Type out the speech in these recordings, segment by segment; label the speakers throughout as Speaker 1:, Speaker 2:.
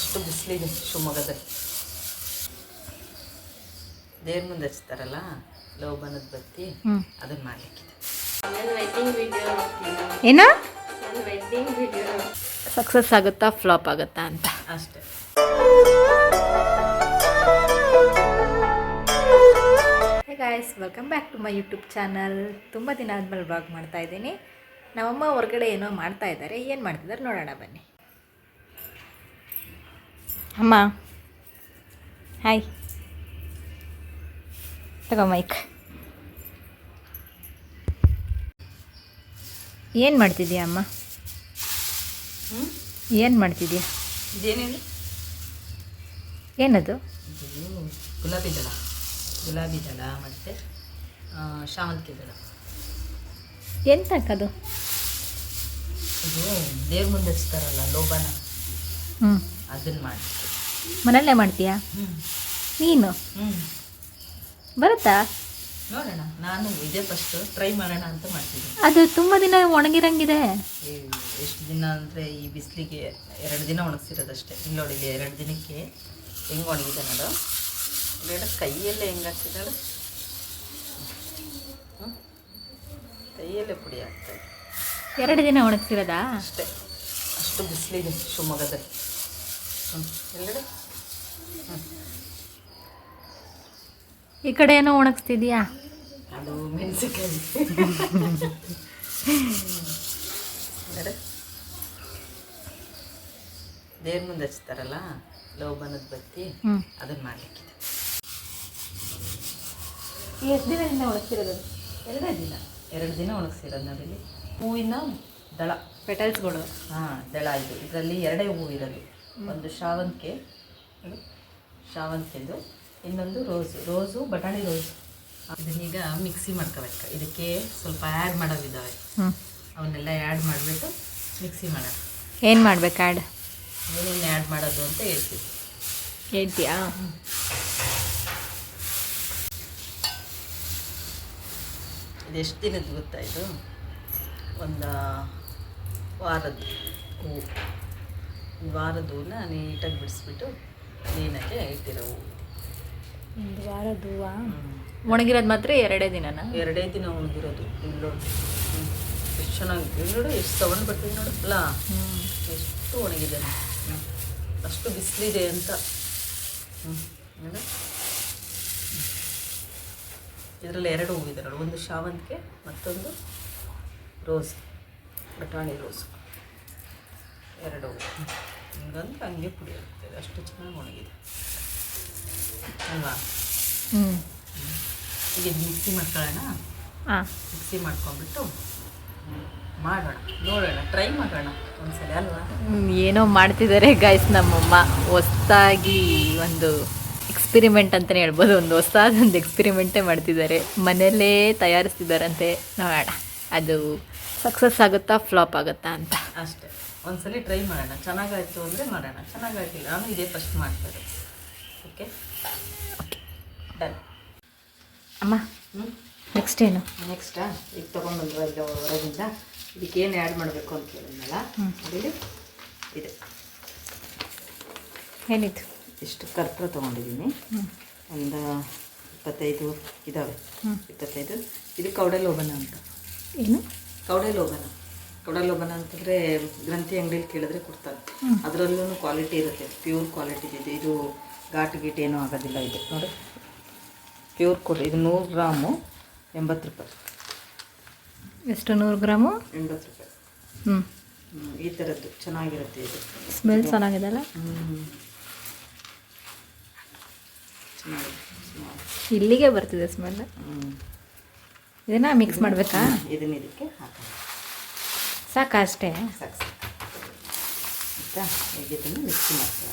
Speaker 1: ಅಷ್ಟು ಬಿಸಿಲಿದೆ ಶಿವಮೊಗ್ಗದಲ್ಲಿ. ದೇವ್ರ ಮುಂದೆ ಹಚ್ತಾರಲ್ಲ ಲೋಬನದ ಬತ್ತಿ, ಅದನ್ನ ಮಾಡ್ಲಿಕ್ಕಿದೆ.
Speaker 2: ಏನ ಸಕ್ಸಸ್ ಆಗುತ್ತಾ ಫ್ಲಾಪ್ ಆಗುತ್ತಾ ಅಂತ
Speaker 1: ಅಷ್ಟೇ.
Speaker 2: Hey guys, welcome back to my YouTube channel. ತುಂಬ ದಿನ ಆದಮೇಲೆ ವ್ಲಾಗ್ ಮಾಡ್ತಾ ಇದ್ದೀನಿ. ನಮ್ಮಮ್ಮ ಹೊರಗಡೆ ಏನೋ ಮಾಡ್ತಾ ಇದ್ದಾರೆ. ಏನು ಮಾಡ್ತಿದ್ದಾರೆ ನೋಡೋಣ ಬನ್ನಿ. ಅಮ್ಮ ಹಾಯ್, ತಗೋ ಮೈಕ್. ಏನು ಮಾಡ್ತಿದ್ಯಾ ಅಮ್ಮ? ಏನು ಮಾಡ್ತಿದ್ಯಾ?
Speaker 1: ಇದೇನೇನು?
Speaker 2: ಏನದು?
Speaker 1: ಗುಲಾಬಿ ದಳ ಮತ್ತು ಶಾವಂತಿಗೆ ದಳ.
Speaker 2: ಎಂತಕ್ಕದು?
Speaker 1: ಇದು ದೇವ್ರ ಮುಂದೆ ಹಚ್ತಾರಲ್ಲ ಲೋಬನ, ಅದನ್ನು ಮಾಡಿ.
Speaker 2: ಮನೆಯಲ್ಲೇ ಮಾಡ್ತೀಯಾ ನೀನು? ಬರುತ್ತಾ?
Speaker 1: ನೋಡೋಣ, ನಾನು ಇದೇ ಫಸ್ಟ್ ಟ್ರೈ ಮಾಡೋಣ ಅಂತ ಮಾಡ್ತಿದ್ದೀನಿ.
Speaker 2: ಅದು ತುಂಬ ದಿನ ಒಣಗಿರಂಗಿದೆ.
Speaker 1: ಎಷ್ಟು ದಿನ ಅಂದರೆ ಈ ಬಿಸಿಲಿಗೆ 2 ದಿನ ಒಣಗಿಸಿರೋದಷ್ಟೇ. ಇಲ್ಲಿ ನೋಡಿ, 2 ದಿನಕ್ಕೆ ಹೆಂಗೆ ಒಣಗಿದೆ ನೋಡು. ಬೇಡ, ಕೈಯಲ್ಲೇ ಹೆಂಗೆ ಹಾಕ್ತಿದ್ದಾಳೆ, ಕೈಯಲ್ಲೇ ಪುಡಿ ಆಗ್ತದೆ.
Speaker 2: 2 ದಿನ ಒಣಗಿಸಿರೋದಾ?
Speaker 1: ಅಷ್ಟೇ, ಅಷ್ಟು ಬಿಸಿಲಿದೆ ಶಿವಮೊಗ್ಗದಲ್ಲಿ. ಎಲ್ಲೆಡೆ
Speaker 2: ಈ ಕಡೆ ಏನೋ ಒಣಗಿಸ್ತಿದ್ಯಾ?
Speaker 1: ಅದು ಮೆಣಸಿನಕಾಯಿ. ದೇವ್ರ ಮುಂದೆ ಹಚ್ತಾರಲ್ಲ ಲೋಬನದ ಬತ್ತಿ, ಅದನ್ನ ಮಾಡ್ಲಿಕ್ಕಿದೆ.
Speaker 2: ಎಷ್ಟು ದಿನದಿಂದ ಒಣಗಿಸಿರೋದು?
Speaker 1: 2 ದಿನ ಒಣಗಿಸಿರೋದು ನೋಡಿ. ಹೂವಿನ ದಳ,
Speaker 2: ಪೆಟಲ್ಸ್ಗಳು.
Speaker 1: ದಳ. ಇದರಲ್ಲಿ 2 ಹೂವು ಇರೋದು. ಒಂದು ಶಾವಂತಿಗೆದು, ಇನ್ನೊಂದು ರೋಸು ಬಟಾಣಿ ರೋಸು. ಇದನ್ನೀಗ ಮಿಕ್ಸಿ ಮಾಡ್ಕೋಬೇಕು. ಇದಕ್ಕೆ ಸ್ವಲ್ಪ ಆ್ಯಡ್ ಮಾಡೋವಿದ್ದಾವೆ, ಅವನ್ನೆಲ್ಲ ಆ್ಯಡ್ ಮಾಡಿಬಿಟ್ಟು ಮಿಕ್ಸಿ ಮಾಡೋಣ.
Speaker 2: ಏನು ಮಾಡ್ಬೇಕು ಆ್ಯಡ್?
Speaker 1: ಏನೇನು ಆ್ಯಡ್ ಮಾಡೋದು ಅಂತ
Speaker 2: ಹೇಳ್ತೀಯಾ?
Speaker 1: ಇದೆಷ್ಟು ದಿನದ್ದು ಗೊತ್ತಾ? ಇದು ಒಂದು ವಾರದ ಹೂವು. ವಾರದ ಹೂವನ್ನ ನೀಟಾಗಿ ಬಿಡಿಸ್ಬಿಟ್ಟು ಕ್ಲೀನಾಗಿ ಇಟ್ಟಿರೋ ಹೂವು.
Speaker 2: ಒಂದು ವಾರದ ಹೂವು ಒಣಗಿರೋದು ಮಾತ್ರ 2 ದಿನನಾ?
Speaker 1: 2 ದಿನ ಒಣಗಿರೋದು. ಇಲ್ಲಿ ಎಷ್ಟು ಚೆನ್ನಾಗಿ, ಇಲ್ಲಿ ನೋಡು ಎಷ್ಟು ಸೌಂಡ್ ಬರ್ತಿದೆ ನೋಡಲ್ಲ, ಎಷ್ಟು ಒಣಗಿದೆ. ಅಷ್ಟು ಬಿಸಿಲಿದೆ ಅಂತ. ನೋಡು, ಇದರಲ್ಲಿ 2 ಹೂವಿದೆ ನೋಡಿ. ಒಂದು ಶಾವಂತಿಗೆ, ಮತ್ತೊಂದು ರೋಸ್, ಬಟಾಣಿ ರೋಸು. 2 ಹೂವು ಹಿಂಗಂದ್ರೆ ಹಂಗೆ ಪುಡಿ ಆಗ್ತದೆ. ಅಷ್ಟು ಚೆನ್ನಾಗಿ ಒಣಗಿದೆ ಅಲ್ವಾ? ಈಗ ಇದು ಮಿಕ್ಸಿ ಮಾಡ್ಕೊಳ್ಳೋಣ. ಮಿಕ್ಸಿ ಮಾಡ್ಕೊಂಡ್ಬಿಟ್ಟು ಮಾಡೋಣ, ನೋಡೋಣ, ಟ್ರೈ ಮಾಡೋಣ ಒಂದ್ಸಲ ಅಲ್ವಾ?
Speaker 2: ಏನೋ ಮಾಡ್ತಿದ್ದಾರೆ ಗೈಸ್ ನಮ್ಮಮ್ಮ. ಹೊಸ್ದಾಗಿ ಒಂದು ಎಕ್ಸ್ಪಿರಿಮೆಂಟ್ ಅಂತಲೇ ಹೇಳ್ಬೋದು. ಒಂದು ಹೊಸದೊಂದು ಎಕ್ಸ್ಪಿರಿಮೆಂಟೇ ಮಾಡ್ತಿದ್ದಾರೆ, ಮನೆಯಲ್ಲೇ ತಯಾರಿಸ್ತಿದ್ದಾರಂತೆ. ನೋಡೋಣ ಅದು ಸಕ್ಸಸ್ ಆಗುತ್ತಾ ಫ್ಲಾಪ್ ಆಗುತ್ತಾ ಅಂತ
Speaker 1: ಅಷ್ಟೇ. ಒಂದ್ಸಲ ಟ್ರೈ ಮಾಡೋಣ. ಚೆನ್ನಾಗಾಯಿತು ಅಂದರೆ ಮಾಡೋಣ, ಚೆನ್ನಾಗಾಗಿಲ್ಲ ನಾನು ಇದೇ ಫಸ್ಟ್ ಮಾಡ್ತಾರೆ. Okay done.
Speaker 2: ಅಮ್ಮ ನೆಕ್ಸ್ಟ್ ಏನು?
Speaker 1: ನೆಕ್ಸ್ಟಾ, ಈಗ ತೊಗೊಂಡ್ಬಂದ್ವ ಈಗ ಹೊರಗಿಂದ. ಇದಕ್ಕೇನು ಆ್ಯಡ್ ಮಾಡಬೇಕು ಅಂತ ಕೇಳಿದ್ನಲ್ಲ, ಅದಿಲ್ಲಿ ಇದೆ.
Speaker 2: ಏನಿತ್ತು?
Speaker 1: ಇಷ್ಟು ಕರ್ಪೂರ ತೊಗೊಂಡಿದ್ದೀನಿ. ಒಂದು 25 ಇದ್ದಾವೆ. 25. ಇದು ಕೌಡೆ ಲೋಬನ ಅಂತ.
Speaker 2: ಏನು
Speaker 1: ಕೌಡೆ ಲೋಬನ ಅಂತಂದರೆ ಗ್ರಂಥಿ ಅಂಗಡಿಯಲ್ಲಿ ಕೇಳಿದ್ರೆ ಕೊಡ್ತಾರೆ. ಅದರಲ್ಲೂ ಕ್ವಾಲಿಟಿ ಇರುತ್ತೆ, ಪ್ಯೂರ್ ಕ್ವಾಲಿಟಿ ಇದೆ. ಇದು ಘಾಟು ಗೀಟು ಏನೂ ಆಗೋದಿಲ್ಲ. ಇದು ನೋಡಿ, ಪ್ಯೂರ್ ಕೊಡಿ. ಇದು 100 ಗ್ರಾಮು 80 ರೂಪಾಯಿ.
Speaker 2: ಎಷ್ಟು? 100 ಗ್ರಾಮು
Speaker 1: 80 ರೂಪಾಯಿ. ಈ ಥರದ್ದು ಚೆನ್ನಾಗಿರುತ್ತೆ. ಇದು
Speaker 2: ಸ್ಮೆಲ್ ಚೆನ್ನಾಗಿದೆಲ್ಲ. ಇಲ್ಲಿಗೆ ಬರ್ತಿದೆ ಸ್ಮೆಲ್. ಇದನ್ನ ಮಿಕ್ಸ್ ಮಾಡಬೇಕಾ?
Speaker 1: ಇದನ್ನ ಇದಕ್ಕೆ ಹಾಕೋಣ.
Speaker 2: ಸಾಕಾ? ಅಷ್ಟೇ
Speaker 1: ಸಾಕು ಆಯಿತಾ? ಈಗ ಇದನ್ನು ಮಿಕ್ಸಿ ಮಾಡ್ತೀವಿ.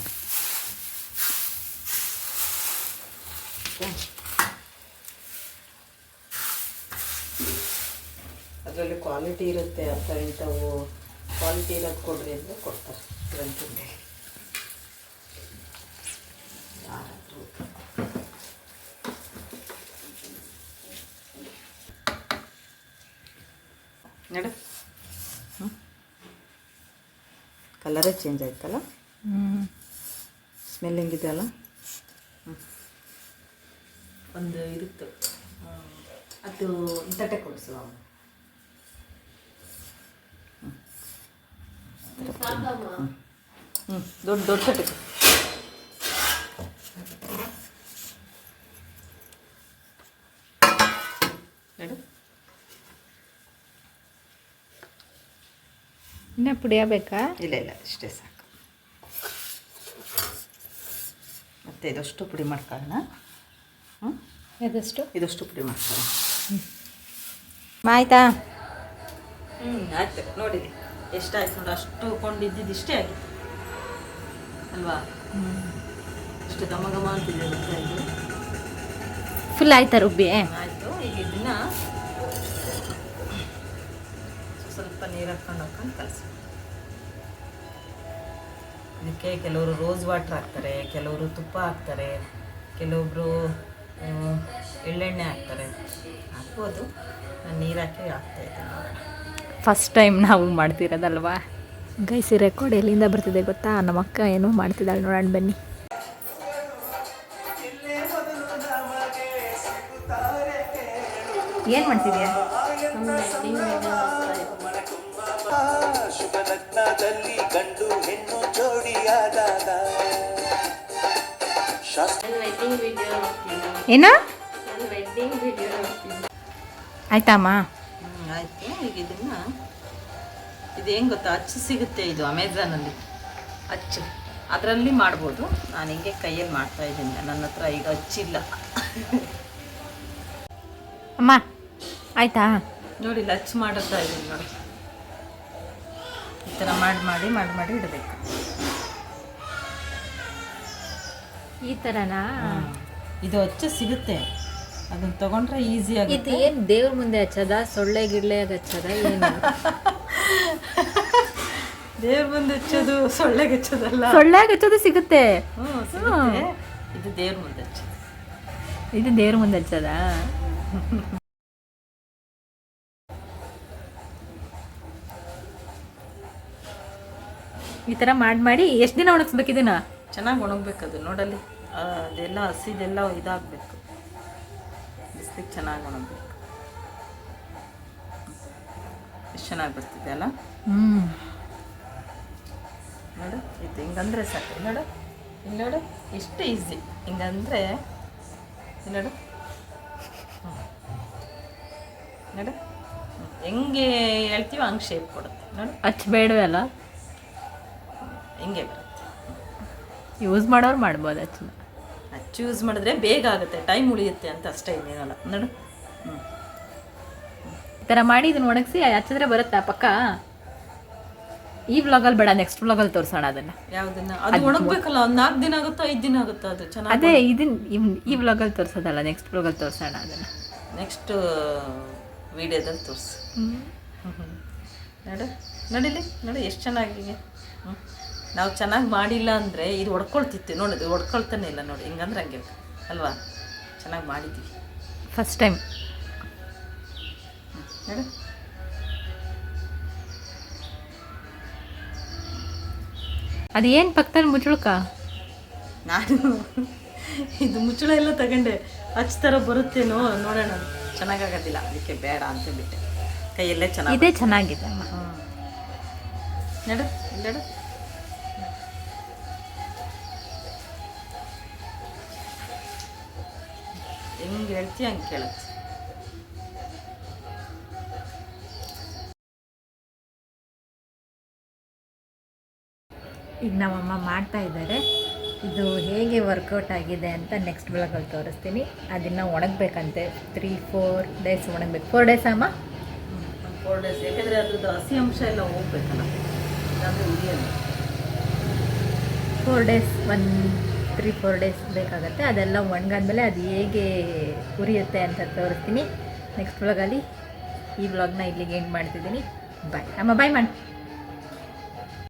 Speaker 1: ಅದರಲ್ಲಿ ಕ್ವಾಲಿಟಿ ಇರುತ್ತೆ. ಇಂಥವು ಕ್ವಾಲಿಟಿ ಇರೋದು ಕೊಡ್ರಿ ಅಂದರೆ ಕೊಡ್ತಾರೆ ಗ್ರಂಥಿಗೆ. ನೋಡು, ಕಲರೇ ಚೇಂಜ್ ಆಯ್ತಲ್ಲ. ಸ್ಮೆಲ್ ಹೆಂಗಿದೆ ಅಲ್ಲ. ಒಂದು ಇರುತ್ತೆ ಅದು ತಟ್ಟೆ ಕೊಡಿಸು. ದೊಡ್ಡ ದೊಡ್ಡ ತಟ್ಟೆ ಹೇಳು.
Speaker 2: ಇನ್ನೂ ಪುಡಿಯಬೇಕಾ?
Speaker 1: ಇಲ್ಲ ಇಲ್ಲ, ಇಷ್ಟೇ ಸಾಕು. ಮತ್ತು ಇದಷ್ಟು ಪುಡಿ ಮಾಡ್ಕೊಳ್ಳೋಣ. ಇದಷ್ಟು ಪುಡಿ ಮಾಡ್ಕೊಳ್ಳೋಣ.
Speaker 2: ಆಯ್ತಾ?
Speaker 1: ಆಯ್ತು. ನೋಡಿರಿ ಎಷ್ಟಾಯ್ತು ನೋಡಿ. ಅಷ್ಟು ಕೊಂಡಿದ್ದು ಇಷ್ಟೇ ಆಗಿತ್ತು ಅಲ್ವಾ? ಇಷ್ಟು ಘಮ ಘಮ ಅಂತಿದೆ ಗೊತ್ತಾ ಇದು.
Speaker 2: ಫುಲ್ ಆಯ್ತಾ ರುಬ್ಬಿ?
Speaker 1: ಆಯಿತು. ಈಗ ಇದನ್ನ ಸ್ವಲ್ಪ ನೀರು ಹಾಕ್ಕೊಂಡು ಕಲಸಿ. ಇದಕ್ಕೆ ಕೆಲವರು ರೋಸ್ ವಾಟ್ರ್ ಹಾಕ್ತಾರೆ, ಕೆಲವರು ತುಪ್ಪ ಹಾಕ್ತಾರೆ, ಕೆಲವೊಬ್ಬರು ಎಳ್ಳೆಣ್ಣೆ ಹಾಕ್ತಾರೆ. ಹಾಕ್ಬೋದು. ನಾನು ನೀರು ಹಾಕಿ ಹಾಕ್ತಾಯಿದ್ದೀನಿ.
Speaker 2: ಫಸ್ಟ್ ಟೈಮ್ ನಾವು ಮಾಡ್ತಿರೋದಲ್ವಾ ಗೈಸ್. ಈ ರೆಕಾರ್ಡ್ ಎಲ್ಲಿಂದ ಬರ್ತಿದೆ ಗೊತ್ತಾ? ನಮ್ಮ ಅಕ್ಕ ಏನೋ ಮಾಡ್ತಿದ್ದಾಳೆ, ನೋಡೋಣ ಬನ್ನಿ. ಏನು ಮಾಡ್ತಿದ್ಯಾ?
Speaker 3: ಶುಭ ಲಗ್ನದಲ್ಲಿ ಗಂಡು ಹೆಣ್ಣು ಜೋಡಿಯಾದಾಗ
Speaker 2: ಏನ ಆಯ್ತಮ್ಮ?
Speaker 1: ಆಯಿತು. ಈಗ ಇದನ್ನು ಇದು ಹೆಂಗೆ ಗೊತ್ತಾ, ಅಚ್ಚು ಸಿಗುತ್ತೆ ಇದು ಅಮೆಝಾನಲ್ಲಿ. ಅಚ್ಚು ಅದರಲ್ಲಿ ಮಾಡ್ಬೋದು. ನಾನು ಹಿಂಗೆ ಕೈಯಲ್ಲಿ ಮಾಡ್ತಾಯಿದ್ದೀನಿ. ನನ್ನ ಹತ್ರ ಈಗ ಅಚ್ಚಿಲ್ಲ.
Speaker 2: ಅಮ್ಮ ಆಯ್ತಾ?
Speaker 1: ನೋಡಿ ಇಲ್ಲಿ ಅಚ್ಚು ಮಾಡುತ್ತಾ ಇದ್ದೀನಿ ನೋಡಿ. ಈ ಥರ ಮಾಡಿ ಇಡಬೇಕು.
Speaker 2: ಈ ಥರನಾ?
Speaker 1: ಇದು ಅಚ್ಚು ಸಿಗುತ್ತೆ, ಅದನ್ನ ತಗೊಂಡ್ರೆ ಈಸಿ
Speaker 2: ಇದು
Speaker 1: ಆಗುತ್ತೆ.
Speaker 2: ಏನು ದೇವ್ರ ಮುಂದೆ ಹಚ್ಚದ, ಸೊಳ್ಳೆ ಗಿಳ್ಳೆಯಾಗ ಹಚ್ಚದ ಏನು?
Speaker 1: ದೇವ್ರ ಮುಂದೆ ಹಚ್ಚೋದು ಸೊಳ್ಳೆಗೆ ಹಚ್ಚೋದಲ್ಲ.
Speaker 2: ಸೊಳ್ಳೆಯಾಗ ಹಚ್ಚೋದು ಸಿಗುತ್ತೆ.
Speaker 1: ಸಿಗುತ್ತೆ. ಇದು ದೇವ್ರ ಮುಂದೆ ಹಚ್ಚೋದು.
Speaker 2: ಇದು ದೇವ್ರ ಮುಂದೆ ಹಚ್ಚದ? ಈ ಥರ ಮಾಡಿ ಎಷ್ಟು ದಿನ ಒಣಗಿಸ್ಬೇಕು ಇದನ್ನ?
Speaker 1: ಚೆನ್ನಾಗಿ ಒಣಗಬೇಕದು. ನೋಡಲ್ಲಿ ಅದೆಲ್ಲ ಹಸಿದೆಲ್ಲ ಇದಾಗಬೇಕು. ಬಿಸಿಲಿಗೆ ಚೆನ್ನಾಗಿ ಒಣಗಬೇಕು. ಎಷ್ಟು ಚೆನ್ನಾಗಿ ಬರ್ತಿದೆ ಅಲ್ಲ? ನೋಡು ಇದು ಹಿಂಗಂದ್ರೆ ಸಾಕು. ನೋಡು ಇಲ್ಲಿ ನೋಡು, ಎಷ್ಟು ಈಸಿ ಹಿಂಗಂದ್ರೆ. ನೋಡು ನೋಡು ಹೆಂಗೆ ಹೇಳ್ತೀವೋ ಹಂಗೆ ಶೇಪ್ ಕೊಡುತ್ತೆ. ನೋಡು
Speaker 2: ಹಚ್ಬೇಡವಲ್ಲ,
Speaker 1: ಹಿಂಗೆ ಬರುತ್ತೆ.
Speaker 2: ಯೂಸ್ ಮಾಡೋರು ಮಾಡ್ಬೋದು ಹಚ್ಚನ.
Speaker 1: ಅಚ್ಚು ಯೂಸ್ ಮಾಡಿದ್ರೆ ಬೇಗ ಆಗುತ್ತೆ, ಟೈಮ್ ಉಳಿಯುತ್ತೆ ಅಂತ ಅಷ್ಟೇ, ಇನ್ನೇನಲ್ಲ. ನೋಡು
Speaker 2: ಈ ಥರ ಮಾಡಿ ಇದನ್ನ ಒಣಗಿಸಿ ಹಚ್ಚಿದ್ರೆ ಬರುತ್ತಾ ಪಕ್ಕ? ಈ ವ್ಲಾಗಲ್ಲಿ ಬೇಡ, ನೆಕ್ಸ್ಟ್ ವ್ಲಾಗಲ್ಲಿ ತೋರಿಸೋಣ ಅದನ್ನು.
Speaker 1: ಯಾವುದನ್ನ? ಅದು ಒಣಗಬೇಕಲ್ಲ. ಒಂದು 4 ದಿನ ಆಗುತ್ತಾ 5 ದಿನ ಆಗುತ್ತಾ ಅದು ಚೆನ್ನಾಗಿ?
Speaker 2: ಅದೇ ಈ ವ್ಲಾಗಲ್ಲಿ ತೋರಿಸೋದಲ್ಲ, ನೆಕ್ಸ್ಟ್ ವ್ಲಾಗಲ್ಲಿ ತೋರಿಸೋಣ ಅದನ್ನು.
Speaker 1: ನೆಕ್ಸ್ಟ್ ವಿಡಿಯೋದಲ್ಲಿ ತೋರಿಸಿ. ನೋಡು ನೋಡಿಲಿ, ನೋಡಿ ಎಷ್ಟು ಚೆನ್ನಾಗಿದೆ. ನಾವು ಚೆನ್ನಾಗಿ ಮಾಡಿಲ್ಲ ಅಂದರೆ ಇದು ಹೊಡ್ಕೊಳ್ತಿತ್ತು. ನೋಡಿ ಇದು ಹೊಡ್ಕೊಳ್ತಾನೆ ಇಲ್ಲ. ನೋಡಿ ಹಿಂಗಂದ್ರೆ ಹಂಗೆ ಅಲ್ವಾ? ಚೆನ್ನಾಗಿ ಮಾಡಿದ್ದೀವಿ
Speaker 2: ಫಸ್ಟ್ ಟೈಮ್.
Speaker 1: ನೋಡು
Speaker 2: ಅದು ಏನು ಪಕ್ಕದಲ್ಲಿ ಮುಚ್ಚುಳ್ಕ?
Speaker 1: ನಾನು ಇದು ಮುಚ್ಚಳ ಎಲ್ಲ ತಗೊಂಡೆ. ಹಚ್ಚ ಥರ ಬರುತ್ತೇನೋ ನೋಡೋಣ. ಚೆನ್ನಾಗಾಗೋದಿಲ್ಲ, ಅದಕ್ಕೆ ಬೇಡ ಅಂತ ಬಿಟ್ಟೆ. ಕೈಯಲ್ಲೇ ಚೆನ್ನಾಗಿ.
Speaker 2: ಇದೇ ಚೆನ್ನಾಗಿದೆ ಅಮ್ಮ.
Speaker 1: ನೋಡು ನೋಡು ಹೆಂಗೆ ಹೇಳ್ತೀಯ ಹಂಗೆ ಕೇಳುತ್ತೆ.
Speaker 2: ಈಗ ನಮ್ಮಮ್ಮ ಮಾಡ್ತಾ ಇದ್ದಾರೆ. ಇದು ಹೇಗೆ ವರ್ಕೌಟ್ ಆಗಿದೆ ಅಂತ ನೆಕ್ಸ್ಟ್ ಬ್ಲಾಗಲ್ಲಿ ತೋರಿಸ್ತೀನಿ. ಅದನ್ನು ಒಣಗಬೇಕಂತೆ 3-4 ಡೇಸ್ ಒಣಗಬೇಕು. 4 ಡೇಸ್ ಅಮ್ಮ?
Speaker 1: 4 ಡೇಸ್. ಯಾಕೆಂದರೆ ಅದ್ರದ್ದು ಹಸಿ ಅಂಶ ಎಲ್ಲ ಹೋಗ್ಬೇಕಲ್ಲ, ಇಲ್ಲಾಂದರೆ ಉರಿಯಲ್ಲ.
Speaker 2: 4 ಡೇಸ್ 3-4 ಡೇಸ್ ಬೇಕಾಗುತ್ತೆ. ಅದೆಲ್ಲ ಒಣಗಾದ್ಮೇಲೆ ಅದು ಹೇಗೆ ಉರಿಯುತ್ತೆ ಅಂತ ತೋರಿಸ್ತೀನಿ ನೆಕ್ಸ್ಟ್ ವ್ಲಾಗಲ್ಲಿ. ಈ ವ್ಲಾಗ್ನ ಇಲ್ಲಿಗೆ ಎಂಡ್ ಮಾಡ್ತಿದ್ದೀನಿ. ಬಾಯ್ ಅಮ್ಮ, ಬಾಯ್ ಮಾಡಿ.